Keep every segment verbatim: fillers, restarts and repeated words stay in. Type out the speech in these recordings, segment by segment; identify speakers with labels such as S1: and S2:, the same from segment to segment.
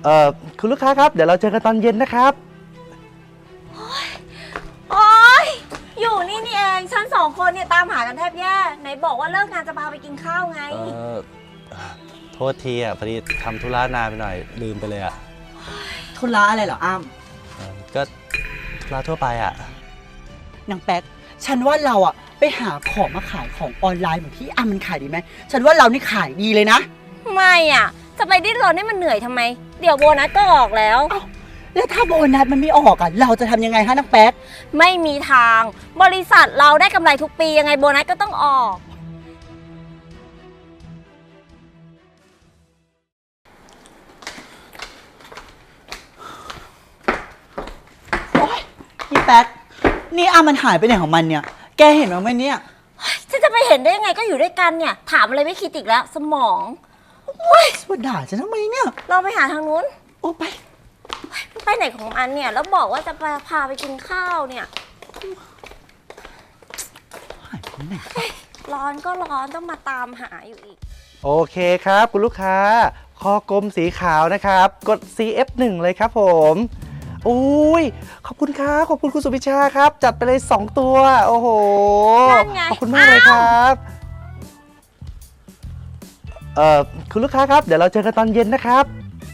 S1: เอ่อคุณลูกค้าครับเดี๋ยวเราเจอกันตอนเย็นนะครับ
S2: โอ๊ยอยู่นี่นี่เองฉันสองคนเนี่ยตามหากันแทบแย่ไหนบอกว่าเลิกงานจะพาไปกินข้าวไง
S1: เออโทษทีอ่ะพอดีทำธุระนานไปหน่อยลืมไปเลยอ่ะ
S3: ธุระอะไรเหรออ้ำ
S1: ก็ธุระทั่วไปอ่ะ
S3: นางแป๊กฉันว่าเราอ่ะไปหาของมาขายของออนไลน์เหมือนที่อ้ำมันขายดีไหมฉันว่าเรานี่ขายดีเลยนะ
S2: ไม่อ่ะจะไปดิ้นรนให้มันเหนื่อยทำไมเดี๋ยวโบนัสก็ออกแล้ว
S3: แล้วถ้าโบนัสมันไม่ออกอ่ะเราจะทำยังไงฮะนางแป๊ก
S2: ไม่มีทางบริษัทเราได้กำไรทุกปียังไงโบนัสก็ต้องออก
S3: โอ๊ยนี่แป๊กนี่อ้ำมันหายไปไหนของมันเนี่ยแกเห็นมั้ยเนี่ย
S2: ฉันจะไปเห็นได้ยังไงก็อยู่ด้วยกันเนี่ยถามอะไรไม่คิดอีกแล้วสมอง
S3: ว่าด่าฉันทำไมเนี่ย
S2: เราไปหาทางนู้น
S3: โอ้ไป
S2: ไปไหนของมันเนี่ยแล้วบอกว่าจะไปพาไปกินข้าวเนี่ยร้อนก็ร้อนต้องมาตามหาอยู่อีก
S1: โอเคครับคุณลูกค้าคอกลมสีขาวนะครับกด ซี เอฟ หนึ่ง เลยครับผมอุ้ยขอบคุณครับขอบคุณคุณสุพิชาครับจัดไปเลยสองตัวโอ้โหขอบคุณมากเลยครับเอ่อคุณลูกค้าครับเดี๋ยวเราเจอกันตอนเย็นนะครับ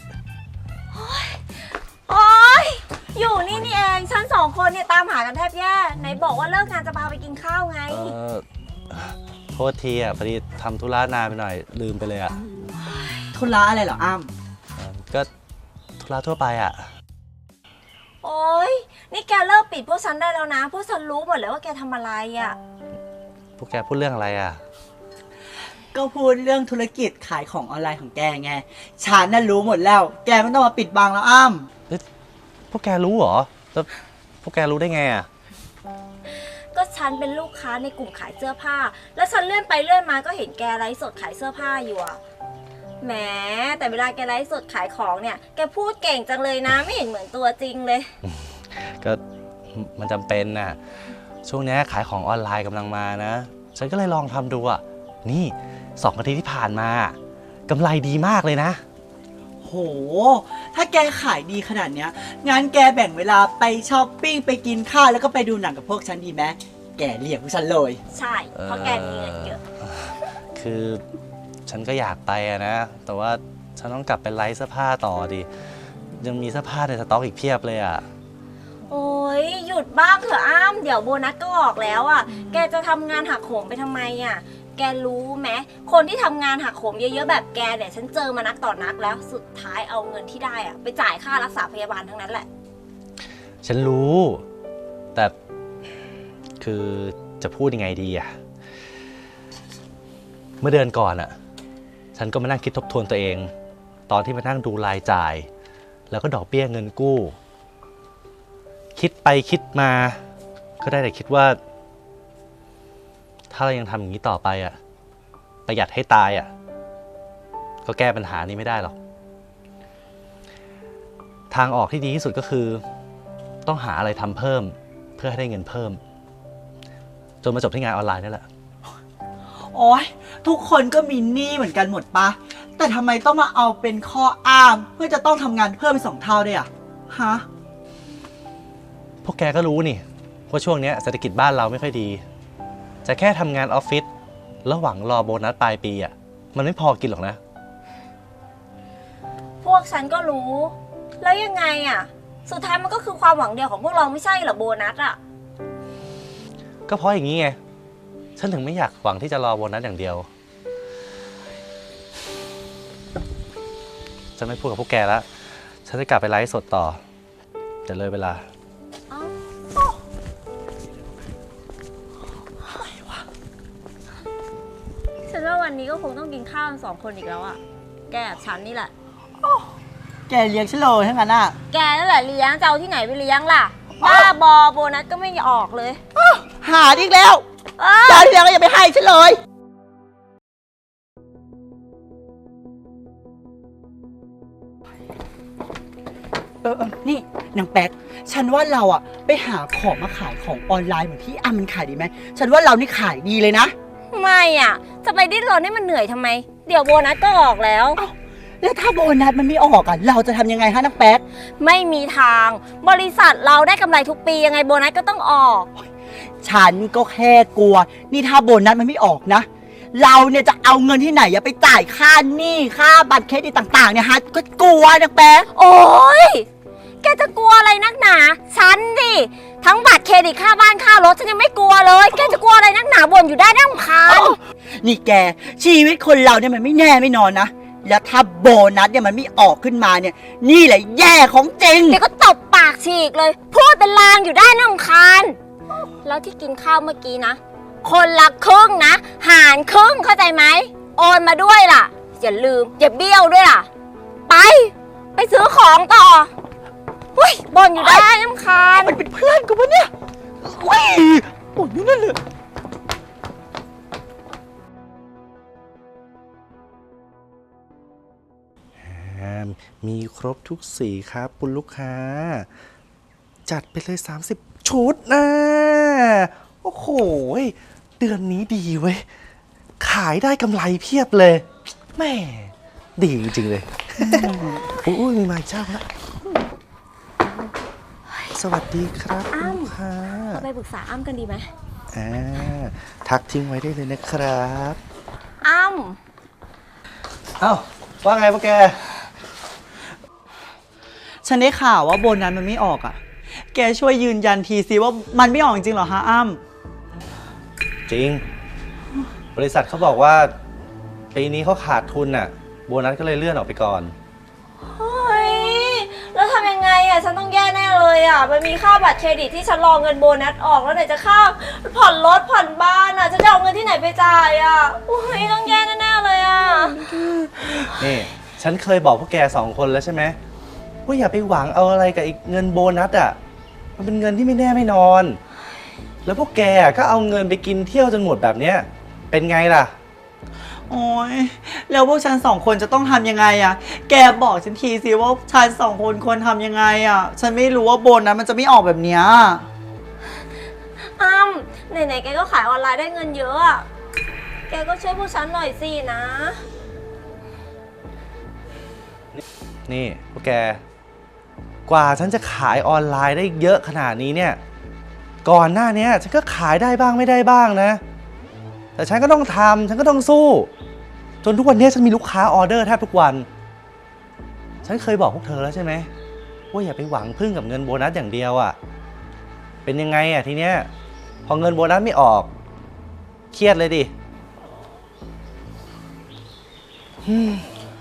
S2: โอ๊ยอยู่นี่นี่เองฉันสองคนเนี่ยตามหากันแทบแย่ไหนบอกว่าเลิกงานจะพาไปกินข้าวไง
S1: เออโทษทีอ่ะพอดีทำธุระนานไปหน่อยลืมไปเลยอ่ะ
S3: ธุระอะไรเหรออ้
S1: ำก็ธุระทั่วไปอ่ะ
S2: โอ๊ยนี่แกเลิกปิดพวกฉันได้แล้วนะพวกฉันรู้หมดเลยว่าแกทำอะไรอ่ะ
S1: พวกแกพูดเรื่องอะไรอ่ะ
S3: ก็พูดเรื่องธุรกิจขายของออนไลน์ของแกไงฉันน่ะรู้หมดแล้วแกไม่ต้องมาปิดบังแล้วอ้
S1: ำพวกแกรู้เหรอแล้วพวกแกรู้ได้ไงอ่ะ
S2: ก็ฉันเป็นลูกค้าในกลุ่มขายเสื้อผ้าแล้วฉันเลื่อนไปเลื่อนมาก็เห็นแกไลฟ์สดขายเสื้อผ้าอยู่อ่ะแหมแต่เวลาแกไลฟ์สดขายของเนี่ยแกพูดเก่งจังเลยนะไม่เห็นเหมือนตัวจริงเลย
S1: ก็มันจำเป็นน่ะช่วงนี้ขายของออนไลน์กำลังมานะฉันก็เลยลองทำดูอ่ะนี่สองอาทิตย์ที่ผ่านมากำไรดีมากเลยนะ
S3: โหถ้าแกขายดีขนาดเนี้ยงั้นแกแบ่งเวลาไปช้อปปิ้งไปกินข้าวแล้วก็ไปดูหนังกับพวกฉันดีไหมแกเรียกพวกฉันเลย
S2: ใช่เพราะแกมีเงินเยอะ
S1: คือฉันก็อยากไปอะนะแต่ว่าฉันต้องกลับไปไลฟ์เสื้อผ้าต่อดิยังมีเสื้อผ้าในสต็อกอีกเพียบเลยอะ
S2: โอ้ยหยุดบ้างเถอะอ้ามเดี๋ยวโบนัสก็ออกแล้วอ่ะแกจะทำงานหักโหมไปทำไมอ่ะแกรู้ไหมคนที่ทำงานหักโหมเยอะๆแบบแกเนี่ยฉันเจอมานักต่อนักแล้วสุดท้ายเอาเงินที่ได้อ่ะไปจ่ายค่ารักษาพยาบาลทั้งนั้นแหละ
S1: ฉันรู้แต่คือจะพูดยังไงดีอ่ะเมื่อเดือนก่อนอ่ะฉันก็มานั่งคิดทบทวนตัวเองตอนที่มานั่งดูรายจ่ายแล้วก็ดอกเบี้ยเงินกู้คิดไปคิดมาก็ได้แต่คิดว่าถ้าเรายังทำอย่างนี้ต่อไปอ่ะประหยัดให้ตายอ่ะก็แก้ปัญหานี้ไม่ได้หรอกทางออกที่ดีที่สุดก็คือต้องหาอะไรทำเพิ่มเพื่อให้ได้เงินเพิ่มจนมาจบที่งานออนไลน์นี่แหละ
S3: โอ๊ยทุกคนก็มีหนี้เหมือนกันหมดปะแต่ทำไมต้องมาเอาเป็นข้ออ้างเพื่อจะต้องทำงานเพิ่มเป็นสองเท่าด้วยอ่ะฮะ
S1: พวกแกก็รู้นี่ว่าช่วงนี้เศรษฐกิจบ้านเราไม่ค่อยดีจะแค่ทำงานออฟฟิศแล้วหวังรอโบนัสปลายปีอ่ะมันไม่พอกินหรอกนะ
S2: พวกฉันก็รู้แล้วยังไงอ่ะสุดท้ายมันก็คือความหวังเดียวของพวกเราไม่ใช่เหรอโบนัสอ่ะ
S1: ก็เพราะอย่างนี้ไงฉันถึงไม่อยากหวังที่จะรอโบนัสอย่างเดียวฉันไม่พูดกับพวกแกแล้วฉันจะกลับไปไลฟ์สดต่อแต่เลยเวลา
S2: ฉันว่าวันนี้ก็คงต้องกินข้าวสองคนอีกแล้วอ่ะแกกับฉันนี่แหละ
S3: แกเลี้ยงฉันเลยทั้งนั้นอ่ะ
S2: แกนั่นแหละเลี้ยงจะเอาที่ไหนไปเลี้ยงล่ะบ้าบอโบนัสก็ไม่ออกเลย
S3: หาอีกแล้วตอนที่แล้วก็อย่าไปให้ฉันเลยเออนี่นางแป๊กฉันว่าเราอ่ะไปหาของมาขายของออนไลน์เหมือนที่อ้ำมันขายดีไหมฉันว่าเรานี่ขายดีเลยนะ
S2: ไม่อ่ะจะไปดิ้นรนให้มันเหนื่อยทำไมเดี๋ยวโบนัสก็ออกแล้ว
S3: แล้วถ้าโบนัสมันไม่ออกอ่ะเราจะทำยังไงฮะนักแป๊ก
S2: ไม่มีทาง บริษัทเราได้กำไรทุกปียังไงโบนัสก็ต้องออก
S3: ฉันก็แค่กลัว นี่ถ้าโบนัสมันไม่ออกนะ เราเนี่ยจะเอาเงินที่ไหนอะไปจ่ายค่าหนี้ค่าบัตรเครดิตต่างๆเนี่ยฮะก็กลัวนักแป๊ก
S2: โอ้ยแกจะกลัวอะไรนักหนา ฉันดิทั้งบัตรเครดิตค่าบ้านค่ารถฉันยังไม่กลัวเลย แกจะกลัวอะไรนักหนาบ่นอยู่ได้น่ารำคาญ
S3: นี่แกชีวิตคนเราเนี่ยมันไม่แน่ไม่นอนนะ แล้วถ้าโบนัสเนี่ยมันไม่ออกขึ้นมาเนี่ย นี่แหละแย่ของจริง
S2: เดี๋ยวก็ตบปากฉีกเลย พูดเป็นลางอยู่ได้น่ารำคาญ แล้วที่กินข้าวเมื่อกี้นะ คนละครึ่งนะ หารครึ่งเข้าใจไหม โอนมาด้วยล่ะ อย่าลืม อย่าเบี้ยวด้วยล่ะ ไป ไปซื้อของต่อเฮ้ยบ่นอยู่ได้น่ารำคาญ
S3: มันเป็นเพื่อนกูปะเนี่ยเว้ยโอ้ยนั่นเลย
S1: มีครบทุกสีครับคุณลูกค้า จัดไปเลย สามสิบ ชุดนะ โอ้โห เดือนนี้ดีเว้ย ขายได้กำไรเพียบเลย แม่ ดีจริง ๆ เลย โอ้ยมีมาอีกเจ้าละสวัสดีครับคุณลูกค้า
S2: เราไปปรึกษาอ้ำกันดีไหม
S1: อ่าทักทิ้งไว้ได้เลยนะครับ
S2: อ้ำ
S1: เอ้า ว่าไงพวกแก
S3: ฉันได้ข่าวว่าโบนัสมันไม่ออกอ่ะ แกช่วยยืนยันทีซิว่ามันไม่ออกจริงเหรอฮะอ้ำ
S1: จริง บริษัทเขาบอกว่าปีนี้เขาขาดทุนน่ะ โบนัสก็เลยเลื่อนออกไปก่อน
S2: เฮ้ย แล้วทำยังไงอ่ะ ฉันต้องแย่แน่เลยอ่ะ มันมีค่าบัตรเครดิตที่ฉันรอเงินโบนัสออกแล้วไหนจะค่าผ่อนรถผ่อนบ้านอ่ะ จะเอาเงินที่ไหนไปจ่ายอ่ะโอ้ยต้องแย่แน่ๆเลยอ่ะ
S1: นี่ ฉันเคยบอกพวกแกสองคนแล้วใช่ไหมว่าอย่าไปหวังเอาอะไรกับอีกเงินโบนัสอ่ะ มันเป็นเงินที่ไม่แน่ไม่นอน แล้วพวกแกก็เอาเงินไปกินเที่ยวจนหมดแบบเนี้ย เป็นไงล่ะ
S3: โอ้ยแล้วพวกฉันสองคนจะต้องทำยังไงอะแกบอกฉันทีสิว่าฉันสองคนควรทำยังไงอะฉันไม่รู้ว่าโบนัสมันจะไม่ออกแบบเนี้ย
S2: อ้ำไหนๆแกก็ขายออนไลน์ได้เงินเยอะอ่ะ แกก็ช่วยพวกฉันหน่อยสินะ
S1: นี่พวกแก กว่าฉันจะขายออนไลน์ได้เยอะขนาดนี้เนี่ย ก่อนหน้านี้ฉันก็ขายได้บ้างไม่ได้บ้างนะ แต่ฉันก็ต้องทำฉันก็ต้องสู้ จนทุกวันนี้ฉันมีลูกค้าออเดอร์แทบทุกวัน ฉันเคยบอกพวกเธอแล้วใช่ไหมว่าอย่าไปหวังพึ่งกับเงินโบนัสอย่างเดียวอะ่ะ เป็นยังไงอะ่ะทีเนี้ยพอเงินโบนัสไม่ออก เครียดเลยดิอืม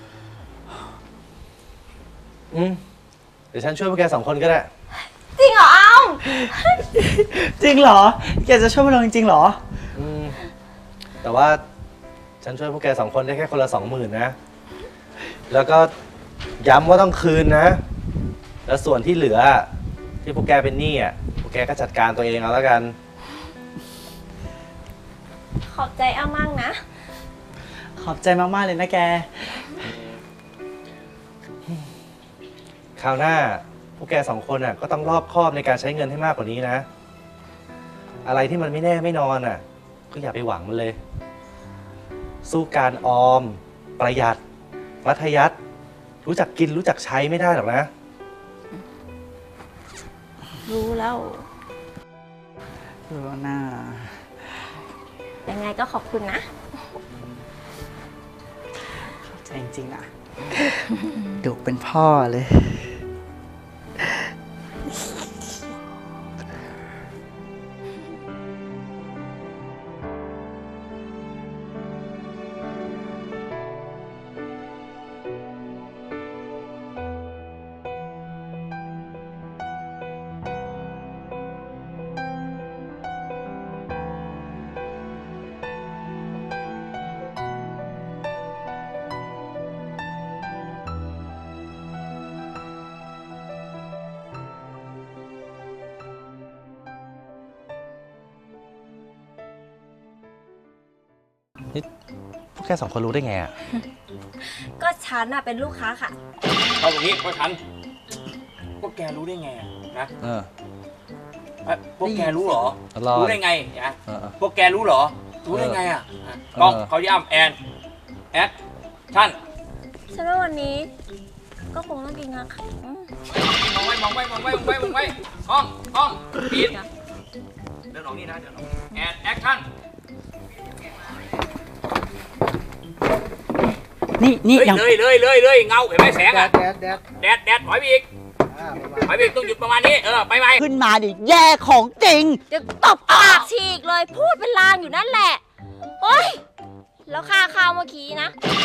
S1: อืมเดี๋ยวฉันช่วยพวกแกสองคนก็ได้
S2: จริงเหรออ้ำ
S3: จริงเหรอ แกจะช่วยพวกเราจริงๆเหรอ
S1: อืมแต่ว่าฉันช่วยพวกแกสองคนได้แค่คนละสองหมื่นนะ แล้วก็ย้ำว่าต้องคืนนะ แล้วส่วนที่เหลือที่พวกแกเป็นหนี้อ่ะ พวกแกก็จัดการตัวเองเอาแล้วกัน
S2: ขอบใจอ้ำมากนะ
S3: ขอบใจมากๆเลยนะแก
S1: คราวหน้าพวกแกสองคนอ่ะก็ต้องรอบคอบในการใช้เงินให้มากกว่านี้นะ อะไรที่มันไม่แน่ไม่นอนอ่ะ ก็อย่าไปหวังมันเลย สู้การออม ประหยัดมัธยัสถ์รู้จักกินรู้จักใช้ไม่ได้หรอกนะ
S2: รู้แล้ว
S3: รู้นะ
S2: ยังไงก็ขอบคุณนะ
S3: ขอบใจจริงๆนะ ดุเป็นพ่อเลย
S1: นี่พวกแกสองคนรู้ได้ไงอ่ะ
S2: ก็ฉันอะเป็นลูกค้าค่ะ
S4: เอาอย่างนี้พวกฉันพวกแกรู้ได้ไงอะนะ
S1: เออ
S4: เอ้ยพวกแกรู้เหรอ
S1: รอด
S4: รู้ได้ไงนะ
S1: เออเออ
S4: พวกแกรู้เหรอ รู้ได้ไงอ่ะ
S1: เออ
S4: กล้อง
S1: เออ
S4: เขาย่ำแอนแอดชั่น
S2: ฉันว่าวันนี้ ก็คงต้องกินงาขาว
S4: มองไว้มองไว้มองไว้มองไว้มองไว้ห้องห้องปิดเดินออกนี่นะเดินออกแอนแอคชั่น
S3: นี่นี่
S4: เฮ้ย
S3: ยัง
S4: เลยเลยเลยเลยเงาเห็นไหมแสง
S1: แด
S4: อะ
S1: ดแดดแดด
S4: แดดแดดถอยไปอีก
S1: อ่าประมาณ
S4: ถอยไปอีกต้องหยุดประมาณนี้เออไปไหม
S3: ขึ้นมาดิแย่ของจริง
S2: เดี๋ยวตบปากฉีกเลย พูดเป็นลางอยู่นั่นแหละโอ๊ยแล้วค่าข้าวเมื่อกี้นะ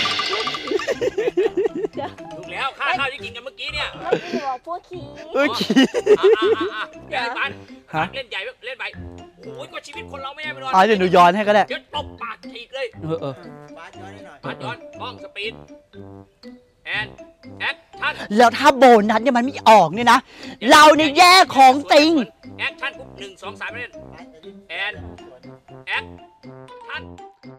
S4: ถูกแล้วค่าข้าวที่กินกันเมื่อกี้เนี่ย
S2: เมื่อกี้บอกพวกขี้
S3: เออ
S4: อ่ะอ่ะอ่ะอ่ะเดี๋ยวปัน
S1: ฮะ
S4: เล่นใหญ่เล่นไปโอ้ยก็ชีวิตคนเราไม่ได้ไปนอน
S3: อ๋อเดี๋ยวหนูย้อนให้ก็ได้
S4: เดี๋ยวตบปากฉีกเลย
S3: เออเออ
S4: ปัดย้อนกล้องสปีดแอนแอคชั่น
S3: แล้วถ้าโบนัสเนี่ยมันไม่ออกเนี่ยนะ เราเนี่ยแย่ของจริง
S4: แอคชั่นปุ๊บหนึ่งสองสามเล่นแอนแอคชั่น